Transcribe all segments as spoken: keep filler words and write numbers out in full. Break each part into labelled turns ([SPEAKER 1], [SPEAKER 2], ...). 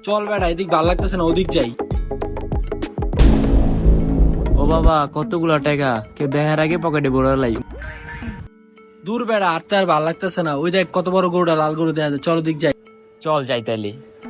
[SPEAKER 1] চল বেটা, এদিক ভাল লাগতেছে না, ওদিক যাই।
[SPEAKER 2] ও বাবা, কতগুলা টাকা, কেউ দেখার আগে পকেটে ভরে লাই।
[SPEAKER 1] দূর বেড়া, আর তো আর ভাল লাগতেছে না। ওই দেখ কত বড় গরুটা, লাল গরু দেখা যায়। চল ওদিক যাই।
[SPEAKER 2] চল যাই তাইলে।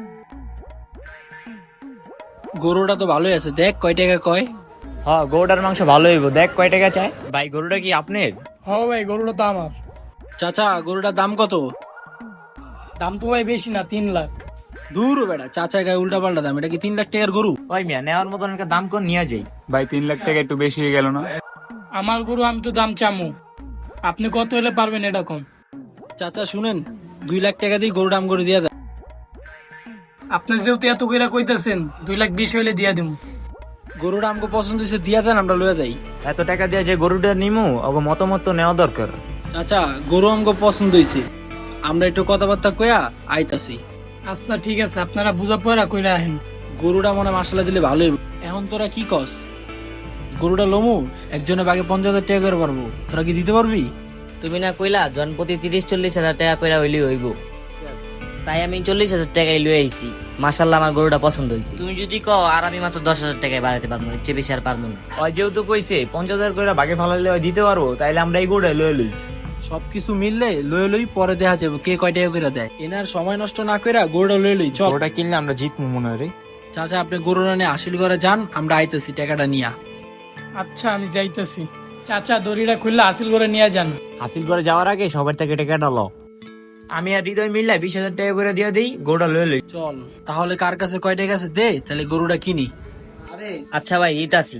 [SPEAKER 1] গরুটা তো ভালোই আছে, দেখ কয় টাকা কয়।
[SPEAKER 2] হ্যাঁ, গরুটার মাংস ভালো হইব। দেখ কয় টাকা চাই। ভাই গরুটা কি আপনার?
[SPEAKER 3] হ্যাঁ ভাই, গরুটা তো আমার।
[SPEAKER 1] চাচা, গরুটার দাম কত?
[SPEAKER 3] দাম তো ভাই বেশি না, তিন লাখ।
[SPEAKER 1] দূর বেড়া, চাচা গায়ে উল্টা পাল্টা দাম। এটা কি তিন লাখ টাকার গরু?
[SPEAKER 2] ওই মিয়া, নেওয়ার মতন একটা দাম কর, নিয়ে যাই।
[SPEAKER 4] ভাই তিন লাখ টাকা একটু বেশি হয়ে গেল না?
[SPEAKER 3] আমার গরু, আমি তো দাম চামু। আপনি কত হলে পারবেন এটা কম?
[SPEAKER 1] চাচা শুনেন, দুই লাখ টাকা দিয়ে গরু দাম করে দিয়া দেয়।
[SPEAKER 3] আপনি যেহেতু এত কইরা কইতেছেন, দুই লাখ বিশ হইলে দিয়া দিব।
[SPEAKER 1] গরুটা আমাকে পছন্দ হয়েছে, দিয়া দেন, আমরা লইয়া যাই।
[SPEAKER 2] এত টাকা দিয়ে যে গরুটা নিমু, ওগো মতামত তো নেওয়া দরকার।
[SPEAKER 1] চাচা, গরু আমাকে পছন্দ হয়েছে, আমরা একটু কথাবার্তা কয়া আইতাছি।
[SPEAKER 3] আচ্ছা ঠিক আছে, আপনারা বুঝা পড়া কইরা আহেন।
[SPEAKER 1] গরুটা মনে মশলা দিলে ভালোই। এখন তোরা কি কস? গরুটা লমু একজনে বাগে পঞ্চাশ হাজার টাকা করে পারবো, তোরা কি দিতে পারবি?
[SPEAKER 5] তুমি না কইলা জনপ্রতি তিরিশ চল্লিশ হাজার টাকা কইরা হইলি হইব, তাই আমি চল্লিশ হাজার টাকায় লই আইছি। মাশাল্লাহ, আমার গরুটা পছন্দ হয়েছে। তুমি যদি কও আর আমি মাত্র দশ হাজার টাকায় বাড়াতে পারবো, এর চেয়ে বেশি আর পারবো না।
[SPEAKER 2] ওই যেহেতু কইছে পঞ্চাশ হাজার করে ভাগে ফালাইলে ওই দিতে পারবো, তাইলে আমরা এই গরুটা লয়ে লই।
[SPEAKER 1] সবকিছু মিললে লই লই, পরে দেখা যাবে কে কয় টাকা করে দেয়। এনার সময় নষ্ট না কইরা গরুটা লই লই। চল।
[SPEAKER 2] গরুটা কিনলে আমরা জিতবো মনে হয় রে।
[SPEAKER 1] চাচা, আপনি গরুটা নিয়ে আসিল করে যান, আমরা আইতেছি টাকাটা নিয়া।
[SPEAKER 3] আচ্ছা, আমি যাইতেছি। চাচা, দড়িটা খুললে হাসিল করে নিয়ে যান।
[SPEAKER 2] হাসিল করে যাওয়ার আগে সবার থেকে টাকাটা লো। আমি আর হৃদয় মিললে বিশ হাজার টাকা করে দিয়ে দিই, গরুটা লয়ে লই।
[SPEAKER 1] চল তাহলে, কার কাছে কয় টাকা আছে দে, তাহলে গরুটা কিনি।
[SPEAKER 5] আচ্ছা ভাই, দিতাছি।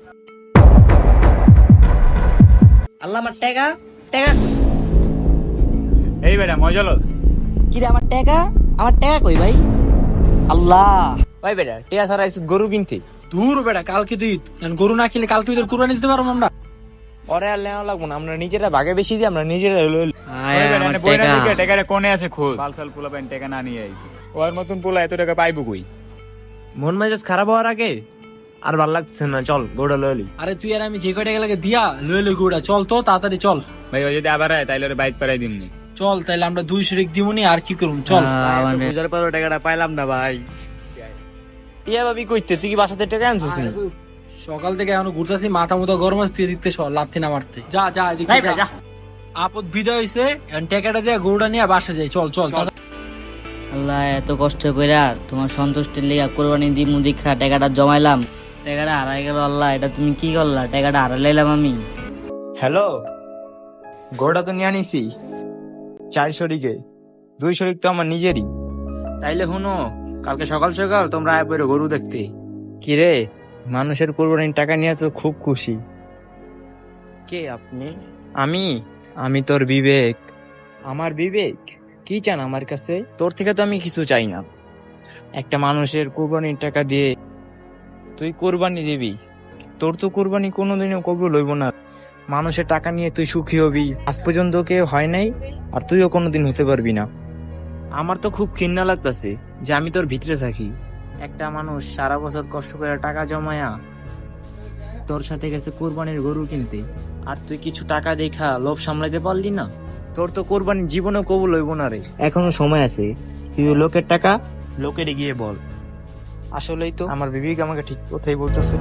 [SPEAKER 5] আল্লাহ, আমার টাকা টাকা কই?
[SPEAKER 4] এই বেটা মজা লস।
[SPEAKER 5] কি রে, আমার টাকা আমার টাকা কই ভাই? আল্লাহ,
[SPEAKER 2] ভাই বেটা, টিয়া সারা গরু কিনতে।
[SPEAKER 1] দূর বেটা, কালকে তুই গরু না কিনলে কালকে তোর কুরবানি দিতে পারবো আমরা।
[SPEAKER 2] পরে আর নেওয়া লাগবো না, আমরা নিজেরা ভাগে বেশি দিই, আমরা নিজেরা লই লই।
[SPEAKER 4] ওই বেটা নে বইরা দিকে টাকাটা কোনে আছে খোঁজ। বালসাল পোলা পাইন টাকা না নিয়ে আইছে। ওর মতন পোলা এত টাকা পাইবো কই?
[SPEAKER 2] মন মেজাজ খারাপ হওয়ার আগে আর ভাল লাগছে না, চল গরুটা লয়ে লই।
[SPEAKER 1] আরে তুই আর আমি যে কয় টাকা লাগে দিয়া লই লই গরুটা। চল তো তাড়াতাড়ি চল।
[SPEAKER 4] ভাই ও যদি আবার আয় তাইলে ওরে বাইক পারাই দিমনি।
[SPEAKER 1] চল তাইলে, আমরা দুই শরিক দিমুনি, আর কি করুম। চল।
[SPEAKER 2] বুঝার পর টাকাটা পাইলাম না ভাই। টিয়া ভাবি কইতে, তুই কি বাসাতে টাকা আনছিস নি?
[SPEAKER 1] সকাল থেকে এখনো ঘুরতেছি, মাথা মতো গরম আছে, তুই দেখতে লাথি না মারতে। যা যা এদিকে
[SPEAKER 2] ভাই,
[SPEAKER 1] যা।
[SPEAKER 2] যা।
[SPEAKER 1] আপদ বিদায় হইছে, এখন টাকাটা দিয়ে গরুটা নিয়ে বাসা যাই। চল চল।
[SPEAKER 5] আল্লাহ, এত কষ্ট কইরা তোমার সন্তুষ্টির লিগা কোরবানি দি মুদিখা টাকাটা জমাইলাম, টাকাটা হারাই গেল। আল্লাহ, এটা তুমি কি করলা? টাকাটা হারাইলাম আমি।
[SPEAKER 2] হ্যালো, গরুটা তো নিয়ে আনিছি চার শরিকে, দুই শরিক তো আমার নিজেরই। তাইলে শুনো, কালকে সকাল সকাল তোমরা আয় পড়ো গরু দেখতে। কি রে, মানুষের কোরবানির টাকা নিয়ে তো খুব খুশি।
[SPEAKER 5] কে আপনি?
[SPEAKER 2] আমি আমি তোর বিবেক। আমার বিবেক? কি চান আমার কাছে? তোর থেকে তো আমি কিছু চাই না। একটা মানুষের কোরবানির টাকা দিয়ে তুই কোরবানি দিবি, তোর তো কোরবানি কোনোদিনও কবুল হইব না। মানুষের টাকা নিয়ে তুই সুখী হবি, আজ পর্যন্ত কেউ হয় নাই, আর তুইও কোনোদিন হতে পারবি না। আমার তো খুব ঘৃণা লাগতেছে যে আমি তোর ভিতরে থাকি। একটা মানুষ সারা বছর কষ্ট করে টাকা জমায়া তোর সাথে গেছে কোরবানির গরু কিনতে, আর তুই কিছু টাকা দেখা লোভ সামলাইতে পারলি না। তোর তো কোরবানির জীবনও কবুল হইব না রে। এখনো সময় আছে, তুই লোকের টাকা লোকের গিয়ে বল। আসলেই তো আমার বিবেক আমাকে ঠিক কথাই বলতেছে।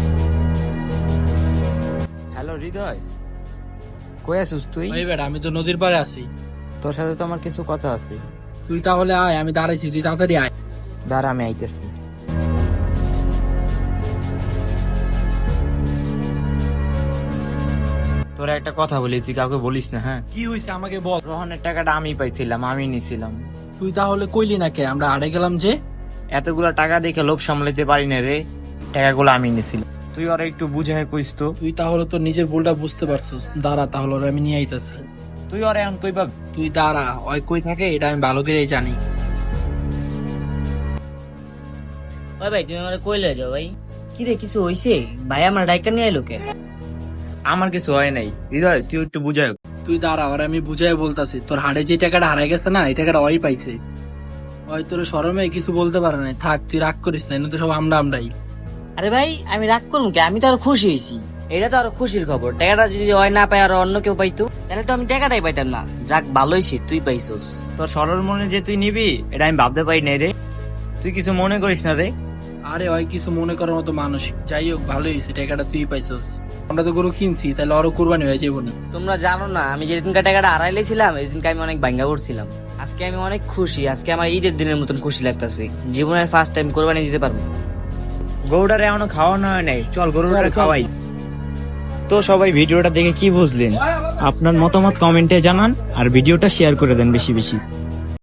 [SPEAKER 2] হ্যালো হৃদয়, কই আছিস তুই?
[SPEAKER 1] এই বেটা, আমি তো নদীর পাড়ে আছি।
[SPEAKER 2] তোর সাথে তো আমার কিছু কথা আছে।
[SPEAKER 1] তুই তাহলে আয়, আমি দাঁড়াইছি, তুই তাড়াতাড়ি আয়।
[SPEAKER 2] দাঁড়া, আমি আইতেছি। তোরা একটা কথা বলি, তুই কাউকে বলিস না, হ্যাঁ?
[SPEAKER 1] কি হয়েছে আমাকে বল।
[SPEAKER 2] রোহনের টাকাটা আমি পাইছিলাম, আমি নিছিলাম।
[SPEAKER 1] তুই তাহলে কইলি না কে? আমরা হারে গেলাম যে।
[SPEAKER 2] এতগুলা টাকা দেখে লোভ সামলাইতে পারি না রে, টাকাগুলো আমি নিছিলাম। তুই ওরা একটু বুঝায় কইস তো।
[SPEAKER 1] তুই তাহলে তোর নিজের ভুলটা বুঝতে পারছিস। দাঁড়া তাহলে, ওরে আমি নিয়ে আইতাছি।
[SPEAKER 2] তুই ওরা এখন কই পাবি?
[SPEAKER 1] তুই দাঁড়া, ওই কই থাকে এটা আমি ভালো করেই জানি।
[SPEAKER 5] ওই ভাই, তুমি আমার কইলে যাও ভাই। কি রে, কিছু হইছে? ভাই আমার ডাইকা নিয়ে আইলো কে?
[SPEAKER 2] আমার কিছু হয় নাই হৃদয়, তুই একটু বুঝায়।
[SPEAKER 1] তুই দাঁড়া, ওরে আমি বুঝাই বলতাছি। তোর হাড়ে যে টাকাটা হারাই গেছে না, এই টাকাটা ওই পাইছে। ওই তোর শরমে কিছু বলতে পারে না। থাক, তুই রাগ করিস না, এনে তো সব আমরা আমরাই।
[SPEAKER 5] আরে ভাই, আমি রাগ করুন কে? আমি তো আরো খুশি হয়েছি। এটা তো আরো খুশির খবর। টাকাটা যদি হয় না পাই আর অন্য কেউ পাইতো, তাহলে তো আমি টাকাটাই পাইতাম না। যাক, ভালোই সে তুই পাইছস।
[SPEAKER 2] তোর সরল মনে যে তুই নিবি, এটা আমি ভাবতে পারি নাই রে। তুই কিছু মনে করিস না রে।
[SPEAKER 1] আরে ওই কিছু মনে করার মতো মানুষ, যাই হোক ভালোই হয়েছে, টাকাটা তুই পাইছস। আমরা তো গরু কিনছি, তাহলে আরো কুরবানি হয়ে যাবো না।
[SPEAKER 5] তোমরা জানো না আমি যেদিনকার টাকাটা হারাইলেছিলাম এদিনকে আমি অনেক ভাঙ্গা করছিলাম। আজকে আমি অনেক খুশি, আজকে আমার ঈদের দিনের মতন খুশি লাগতেছে। জীবনের ফার্স্ট টাইম কোরবানি দিতে পারবো।
[SPEAKER 2] গরুটারে এখনো খাওয়ানো হয় নাই, চল গরুটারে খাওয়াই। তো সবাই ভিডিওটা দেখে কি বুঝলেন? আপনার মতামত কমেন্টে জানান আর ভিডিওটা শেয়ার করে দেন বেশি বেশি।